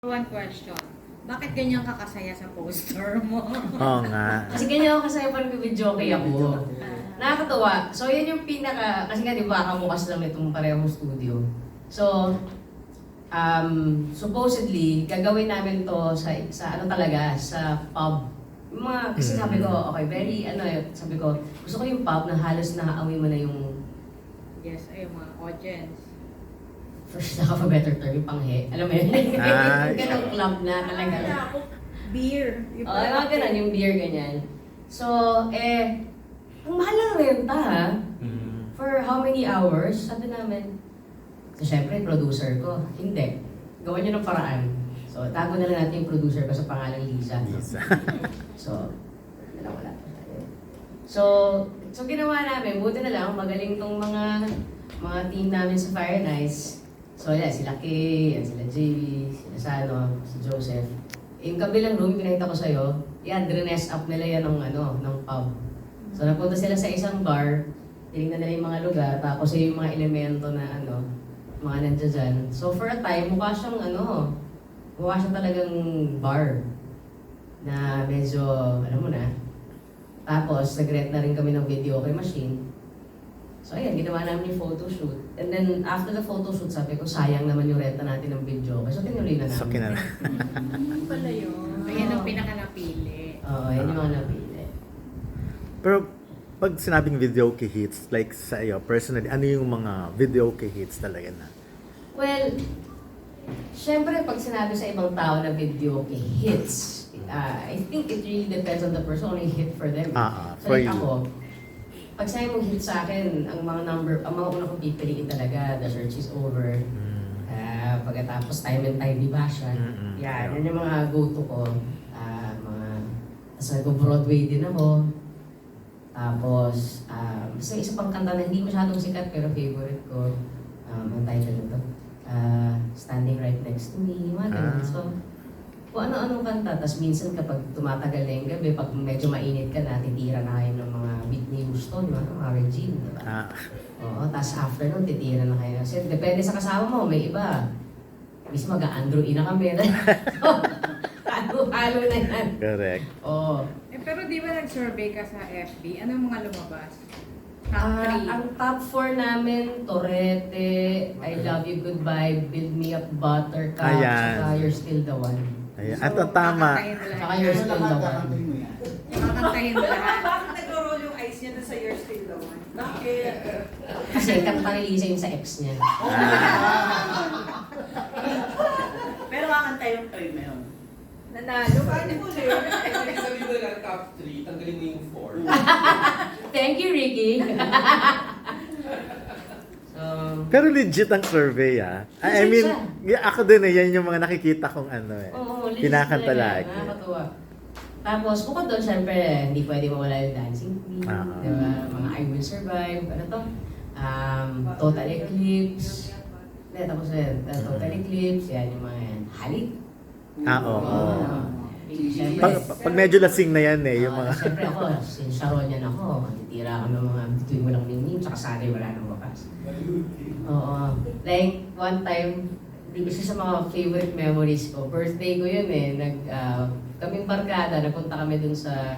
One question. Bakit ganyan ka kasaya sa poster mo? Oo nga. Kasi ganyan ako kasaya pa nag-video kay ako. Nakakatuwa. So, yun yung pinaka, kasi nga di ba, kamukas lang itong parehong studio. So, supposedly, gagawin namin to sa ano talaga, sa pub. Yung mga, kasi sabi ko, okay, very, sabi ko, gusto ko yung pub na halos nakaamoy mo na yung, Yes, ay mga audience. first na better term, yung panghe. Alam mo yun? Ah, Yung ganong club na talaga. Akala ko, beer. Oo, yung mga ganun, yung beer ganyan. So, ang mahal ng renta ha. For how many hours? Sabi namin, so syempre, producer ko. Hindi. Gawan nyo ng paraan. So, tago na lang natin yung producer ko sa pangalang Lisa. Lisa. So, wala. So ginawa namin, buti na lang, magaling tong mga team namin sa Fire Nights. So, yan, sila Kay, yan, sila JV, sila Sano, si Joseph. Yung kabilang room, pinakita ko sa'yo, yan, dress up nila yan ng pub. So, napunta sila sa isang bar, tinignan nila yung mga lugar, tapos yung mga elemento na mga nandiyan dyan. So, for a time, mukha siyang talagang bar na medyo, alam mo na. Tapos, nag-rent na rin kami ng video okay machine. So, ayan, ginawa namin yung photoshoot. And then, after the photoshoot, sabi ko, sayang naman yung renta natin ng video. So, tinuloy na namin. So, kinala. Ano pala yun? Ayan ang pinaka-napili. Oo, yan yung mga napili. Pero, pag sinabing video key hits, like sa iyo, personally, ano yung mga video key hits talaga na? Well, syempre, pag sinabi sa ibang tao na video okay, hits, I think it really depends on the person, only hit for them. So, for like you. ako, pag sa'yo mong hit sa akin, ang mga una kong pipiliin talaga, The Search Is Over. Pagkatapos Time and Tide, di ba siya? Yan, yun yung mga go-to ko. Tapos nag-Broadway din ako. Tapos, basta isa pang kanta na hindi masyadong sikat pero favorite ko. Ang title nito. Standing Right Next to Me, mga ganun. So, kung ano-anong kanta. Tapos minsan kapag tumatagal na yung gabi, pag medyo mainit ka na, titira na kayo ng mga Whitney Houston, mga Regine, di ba? Oo, tapos after nun, titira na kayo. Kasi depende sa kasama mo, may iba. Mismo mag-Andrew na kami. Halo-halo na yan. Correct. Oo. Pero di ba nag-survey ka sa FB? Ano yung mga lumabas? Top 3. Ang top 4 namin, Torete, I Love You Goodbye, Build Me Up Buttercup, Ayan. saka You're Still the One. Ayan. At ang tama. Saka You're Still the One. Kakantahin mo lahat. Bakit nagro-roll yung eyes niya dun sa You're Still the One? Bakit? Kasi kanta ni Lisa yung sa ex niya. Pero kakanta yung three na yun. Nanalo ka. Paano mo din? Sabi mo na top 3, tanggalin mo yung 4. Thank you, Ricky. So, Pero legit ang survey, ah. I Legit mean, siya. ako din yan yung mga nakikita kong oo, legit Kinakanta talaga, lagi. Nakakatuwa. Tapos, bukod doon, syempre, hindi pwede mawala yung Dancing Queen, di ba? Mga I Will Survive, ano to? Total Eclipse. Hindi, tapos yun. Total Eclipse, yan yung mga yan. Halik. Oo. Siyempre, Pag medyo lasing na yan yung mga... Siyempre ako, since Sharon yan ako, matitira ako ng mga bituin mo lang mingin, tsaka sanay wala nang wakas. Oo. Like, one time, isa sa mga favorite memories ko, birthday ko yun kaming barkada, nagpunta kami dun sa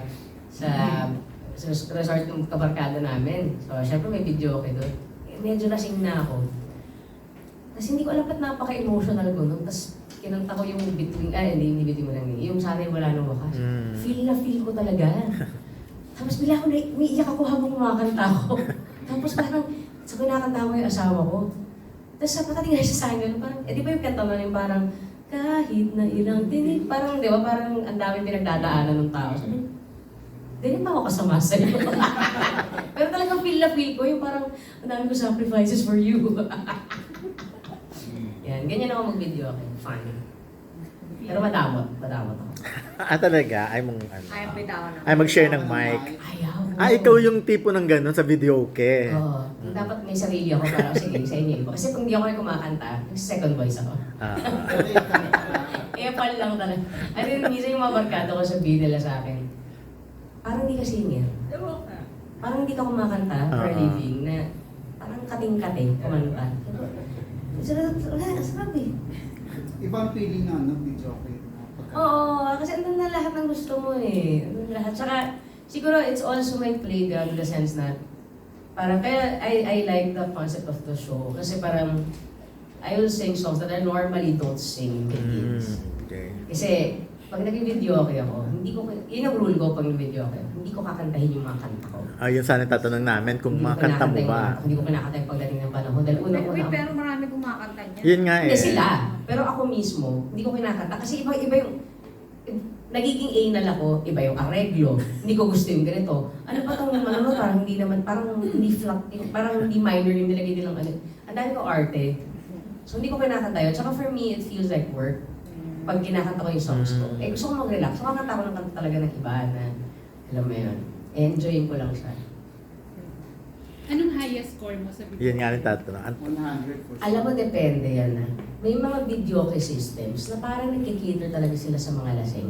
resort ng kabarkada namin. So, syempre may video okay dun. Medyo lasing na ako. Tapos hindi ko alam ba't napaka-emotional ko nun. Tapos kinanta ko yung between, hindi between mo lang, yung sana'y wala nang wakas. Feel na feel ko talaga. Tapos bila ako umiiyak ako habang kumakanta ko. Tapos parang, sa kinakanta ko yung asawa ko. Tapos pagkatingin siya sa akin, parang, di ba yung kanta mo yung parang, kahit na ilang tinig, parang, di ba, parang ang daming pinagdadaanan ng tao. Sabi, hindi pa ako kasama sa'yo. Pero talagang feel na feel ko, yung parang, ang dami ko sacrifices for you. Yan, ganyan ako mag-video, okay, fun. Pero madamot ako. talaga? Ay mong ano? Ay, bitawan ako. Ay mag-share ng mic. Ayaw. Ikaw yung tipo ng gano'n sa video, okay? Oo. Dapat may sarili ako para sige sa inyo. Kasi kung di ako yung kumakanta, second voice ako. Epal lang talaga. Ano yung minsan yung mga barkada ko sabihin nila sa akin, parang di ka singer. Parang di ka kumakanta for a living na parang kating-kating kumanta. Wala, sabi. Ibang feeling na, no? Video okay. Oo, kasi andun na lahat ng gusto mo eh. Andun na lahat. Tsaka, siguro it's also my playground in the sense na parang kaya I like the concept of the show. Kasi parang I will sing songs that I normally don't sing with kids. Okay. Kasi pag nag-video okay ako, hindi ko, yun ang rule ko pag nag-video okay, hindi ko kakantahin yung mga kanta ko. Yun sana tatanong namin kung Hindi ko mga kanta mo kinakanta ba. hindi ko kinakanta yung pagdating ng panahon. Dahil Wait, unang-una, pero marami kumakanta niya. Yun nga eh. hindi sila. Pero ako mismo, hindi ko kinakanta. Kasi iba yung, nagiging anal ako, iba yung areglo. Hindi ko gusto yung ganito. Ano pa itong ano, parang hindi naman, parang hindi flat, parang hindi minor yung nilagay nilang ano. Ang dami ko arte. So hindi ko kinakanta yun. Tsaka for me, it feels like work. Pag kinakanta ko yung songs ko. Eh gusto ko mag-relax. So kakanta ko ng kanta talaga ng iba na, alam mo yun, enjoyin ko lang siya. Anong highest score mo sa video? Yun nga rin tatanong. 100 for sure. Alam mo, depende yan na. May mga video kay systems na parang nagkikater talaga sila sa mga lasing.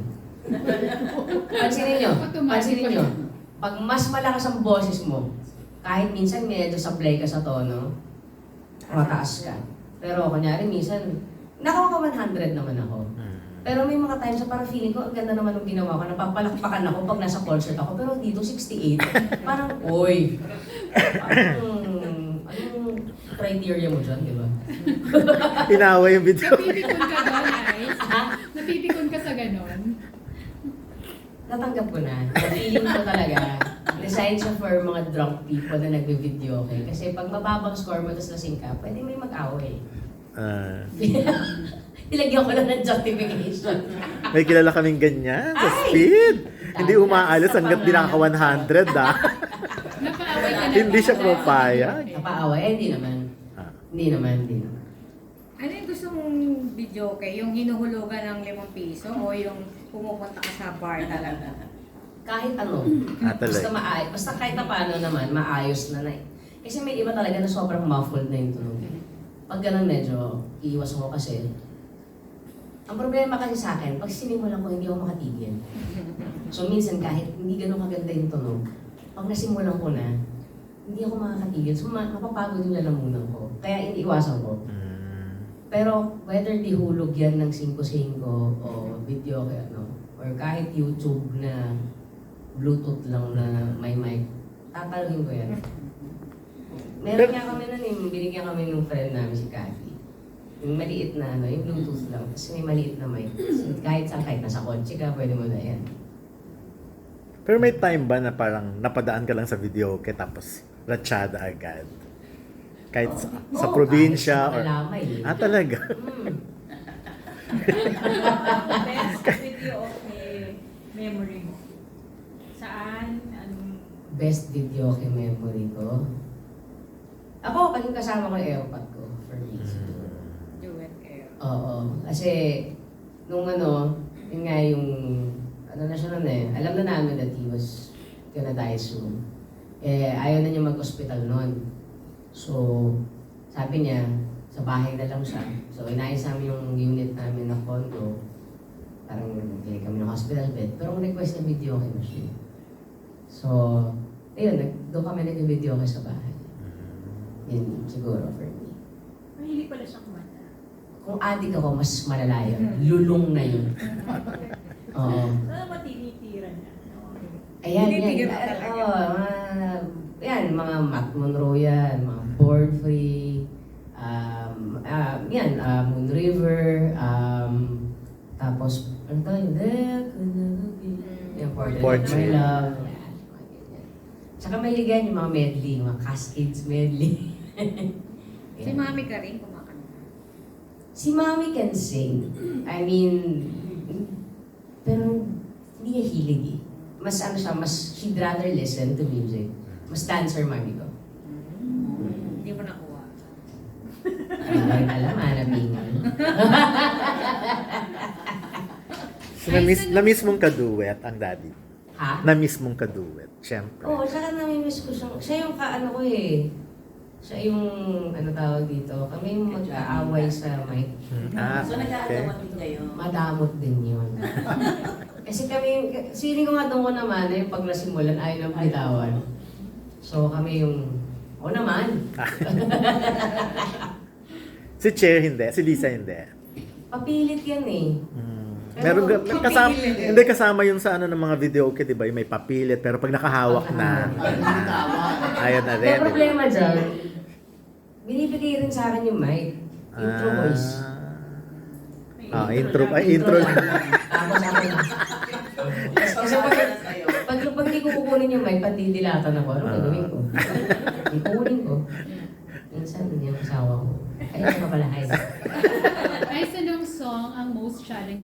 Pansinin nyo. Pag mas malakas ang boses mo, kahit minsan medyo sablay ka sa tono, mataas ka. Pero kunyari minsan, nakaka-100 naman ako. Pero may mga times na parang feeling ko, ang ganda naman ng ginawa ko, napapalakpakan ako pag nasa concert ako, pero dito 68. Parang, oy! Parang, anong criteria mo dyan, di ba? Inawa yung video. Napipikon ka doon, Ice? Napipikon ka sa ganon? Natanggap ko na. Feeling ko talaga, designed siya for mga drunk people na nagbe-video, okay? Kasi pag mababang score mo, tapos lasing ka, pwede may mag-away. Nilagyan ko lang ng justification. May kilala kaming ganyan sa Ay! speed. Hindi Dahil umaalis sa hanggat di mga- nakaka 100 ah. Napaaway ka na Hindi ba? siya pumapayag. Napaaway? Eh, hindi naman. Ah. Hindi naman. Ano yung gusto mong video kay? Yung hinuhulugan ng 5 piso o yung pumupunta ka sa bar talaga? Kahit ano. Talaga. Basta maayos. Basta kahit na paano naman, maayos na. Kasi may iba talaga na sobrang muffled na yung tunog. Pag ganun medyo, iiwas ako kasi. Ang problema kasi sa akin, pag sinimulan ko, hindi ako makatigil. So minsan kahit hindi ganun kaganda yung tunog, pag nasimulan ko na, hindi ako makakatigil. So mapapagod yung lalamunan ko. Kaya iniiwasan ko. Pero whether dihulog yan ng 5-5 o video kaya ano, or kahit YouTube na Bluetooth lang na may mic, tatalagin ko yan. Meron nga kami nun binigyan kami ng friend namin si Kathy. Yung maliit na ano, yung Bluetooth lang, tapos may maliit na mic. So, kahit saan, kahit nasa kotse ka, pwede mo na yan. Pero may time ba na parang napadaan ka lang sa video okay tapos ratsyada agad? Kahit sa Oo, probinsya kahit or... sa Malamay. Talaga? Best video okay memory mo. Saan? Anong... Best video kay memory ko? Ako, pag yung kasama ko yung airpod ko, for me. siguro. Duet kayo. Oo. Kasi, nung ano, yun nga yung, ano na siya nun eh, alam na namin that he was gonna die soon. Eh, ayaw na niya mag-hospital nun. So, sabi niya, sa bahay na lang siya. So, inayos namin yung unit namin na condo. Parang nagbigay kami ng hospital bed. Pero ang request niya, video okay na siya. So, ayun, doon kami nag-video okay sa bahay. Yun, siguro for me. Mahilig pala siya kumanta. Kung adik ako, mas malala yun. Lulong na yun. Oo. Saan ba tinitira niya? Ayan, Tinitigil yan. ka talaga. Yan, mga Matt Monroe yan, mga Born Free, Moon River, tapos, ano tayo? Yung Portrait of My Portrait. Love. Yan, mga ganyan. Tsaka mahilig yan yung mga medley, mga Cascades medley. Si Mami ka rin kumakanta. Si Mami can sing. I mean, pero hindi niya hilig eh. Mas ano siya, she'd rather listen to music. Mas dancer Mami ko. Hindi mo nakuha. Ay, alam, hanapingan. So, na-miss mong kaduet ang daddy. Ha? Na-miss mong kaduet, syempre. Oo, tsaka nami-miss ko siyang, siya yung kaano ko eh. Siya yung, ano tawag dito, kami yung mag-aaway sa mic. So, Okay. nag-aagawan din kayo. Madamot din yun. Kasi kami, feeling ko nga doon ko naman na yung pag nasimulan ayaw ng bitawan. So kami yung, o naman. Si Cher hindi, si Lisa hindi. Papilit yan eh. Meron may kasama, hindi kasama yun sa ano ng mga video okay, di ba? Yung may papilit, pero pag nakahawak na, ayan na rin. May problema dyan, binibigay rin sa akin yung mic. Intro voice. Intro lang. Tapos ako na. Kasi pag di ko kukunin yung mic, patidilatan ako. Ano gagawin ko? Di kukunin ko. Minsan, yung asawa ko. Ay, ano pala, ay. Ay, anong song ang most challenging